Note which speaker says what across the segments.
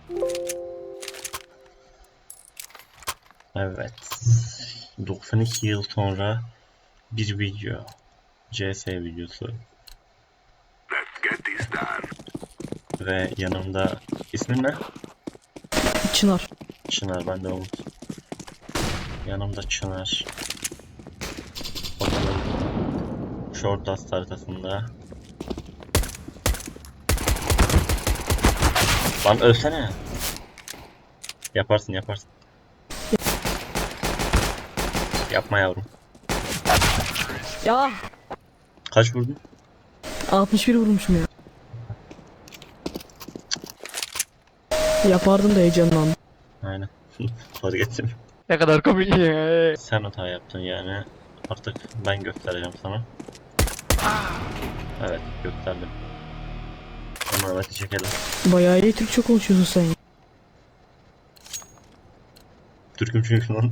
Speaker 1: Evet. 92 yıl sonra bir video. CS videosu. Ve yanımda ismin ne?
Speaker 2: Çınar.
Speaker 1: Çınar, ben de Umut. Yanımda Çınar. Bakalım. Short Dust haritasında. Lan ölsene. Yaparsın yaparsın. Yapma yavrum.
Speaker 2: Ya
Speaker 1: Kaç vurdun?
Speaker 2: 61 vurmuşum ya. Yapardım da heyecanlandım.
Speaker 1: Aynen. Fark ettim.
Speaker 2: Ne kadar komik ya.
Speaker 1: Sen hata yaptın yani. Artık ben göstereceğim sana. Evet, gösterdim. Ama evet, çekelim.
Speaker 2: Bayağı iyi Türkçe konuşuyorsun sen.
Speaker 1: Türk'üm çünkü lan.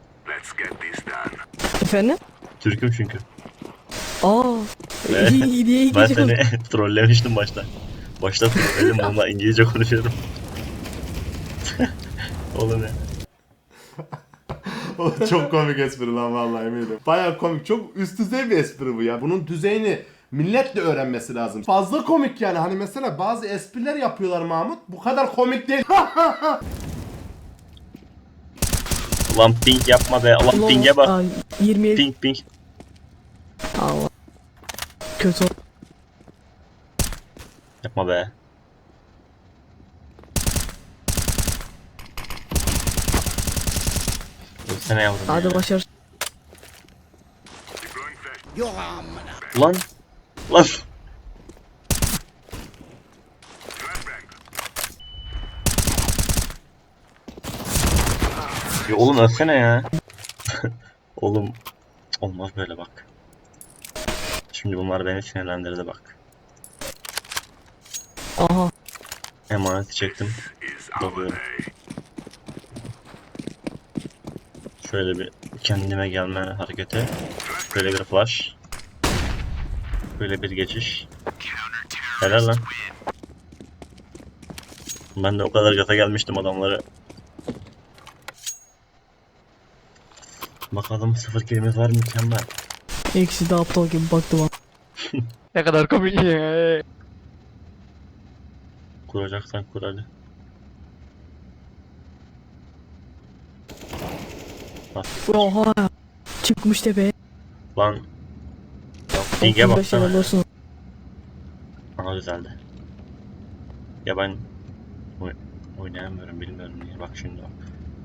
Speaker 2: Efendim?
Speaker 1: Türk'üm çünkü.
Speaker 2: Aa.
Speaker 1: Evet.
Speaker 2: iyi diye
Speaker 1: Ben
Speaker 2: İngilizce
Speaker 1: seni
Speaker 2: konuş.
Speaker 1: trollemiştim başta. Başta trolledim, bununla İngilizce konuşuyorum. Oğlum ya.
Speaker 3: Çok komik espri lan vallahi eminim. Bayağı komik. Çok üst düzey bir espri bu ya. Bunun düzeyini millet de öğrenmesi lazım. Fazla komik yani. Hani mesela bazı espriler yapıyorlar Mahmut. Bu kadar komik değil.
Speaker 1: Ulan ping yapma be. Ulan ping'e bak.
Speaker 2: Aa, 27.
Speaker 1: Ping ping.
Speaker 2: Allah. Kötü.
Speaker 1: Yapma be. Ölsene yavrum
Speaker 2: Hadi
Speaker 1: ya.
Speaker 2: başar.
Speaker 1: Ulan. Ulan. Ya oğlum ölsene ya. Oğlum. Olmaz böyle bak. Şimdi bunlar beni sinirlendirdi bak.
Speaker 2: Aha.
Speaker 1: Emaneti çektim. Dalıyorum. Şöyle bir kendime gelme hareketi. Böyle bir flash. Böyle bir geçiş. Helal lan. Ben de o kadar gaza gelmiştim adamları. Bakalım 0 kilimiz var, mükemmel.
Speaker 2: İkisi de aptal gibi baktı bana. Ne kadar komik ya.
Speaker 1: Kuracaksan kur hadi. Bak
Speaker 2: Oha. Çıkmış tepe.
Speaker 1: lan. Ping'e
Speaker 2: 35
Speaker 1: baksana.
Speaker 2: level olsun.
Speaker 1: Aha düzeldi. Ya ben oynayamıyorum, bilmiyorum niye. Bak şimdi bak.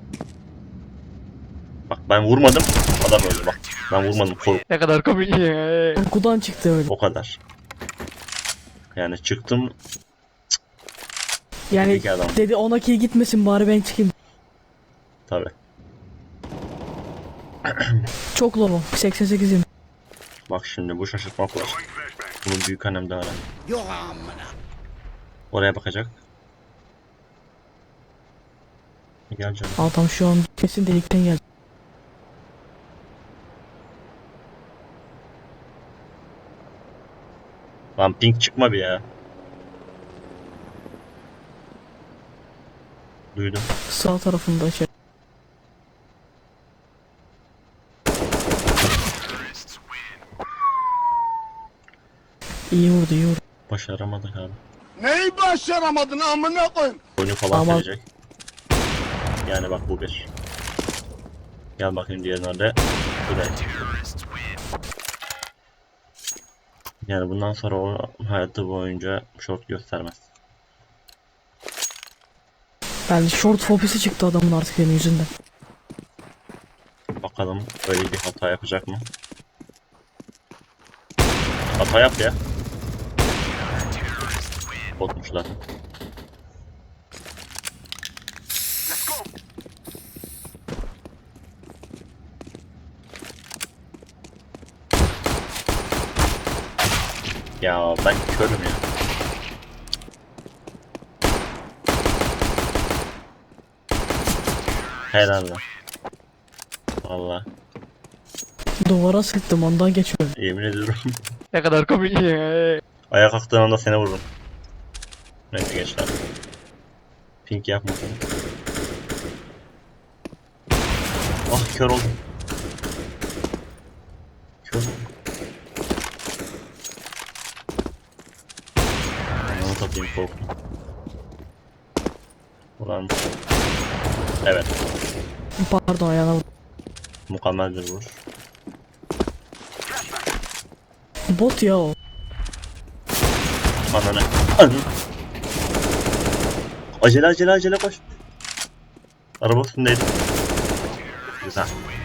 Speaker 1: Bak ben vurmadım. Adam öldü bak. Ben vurmadım.
Speaker 2: Ne kadar komik ya. Korkudan çıktı öyle.
Speaker 1: O kadar. Yani çıktım.
Speaker 2: Yani
Speaker 1: İki adam.
Speaker 2: dedi ona kill gitmesin bari ben çıkayım.
Speaker 1: Tabi.
Speaker 2: Çok low. 88'im.
Speaker 1: Bak şimdi bu şaşırtma flash. Bunu büyük annemden öğren. Oraya bakacak. Gel canım.
Speaker 2: Adam şu an kesin delikten geldi.
Speaker 1: Lan ping çıkma bir ya. Duydum.
Speaker 2: Sağ tarafında şey. İyi vurdu iyi vurdu.
Speaker 1: Başaramadık abi.
Speaker 4: Neyi başaramadın amına koyayım?
Speaker 1: Oyunu falan
Speaker 2: Ama-
Speaker 1: verecek. Yani bak bu bir. Gel bakayım diğer nerede. Bu da. Yani bundan sonra o hayatı boyunca short göstermez.
Speaker 2: Yani short fobisi çıktı adamın artık benim yüzünden.
Speaker 1: Bakalım öyle bir hata yapacak mı? Hata yap ya. Botmuşlar. Ya ben körüm ya. Helal lan. Valla
Speaker 2: Duvara sıktım ondan geçiyor.
Speaker 1: yemin ediyorum.
Speaker 2: Ne kadar komik ya.
Speaker 1: Ayağa kalktığın anda seni vururum. Neyse gençler. Pink yapma. Ah kör oldum. Kör oldum. Onu satayım korktum. Ulan. Evet.
Speaker 2: Pardon ayağına vurdum.
Speaker 1: Mükemmel bir vuruş.
Speaker 2: Bot ya o.
Speaker 1: Ananı. Ananı. Acele koş. Araba üstündeydi. Güzel.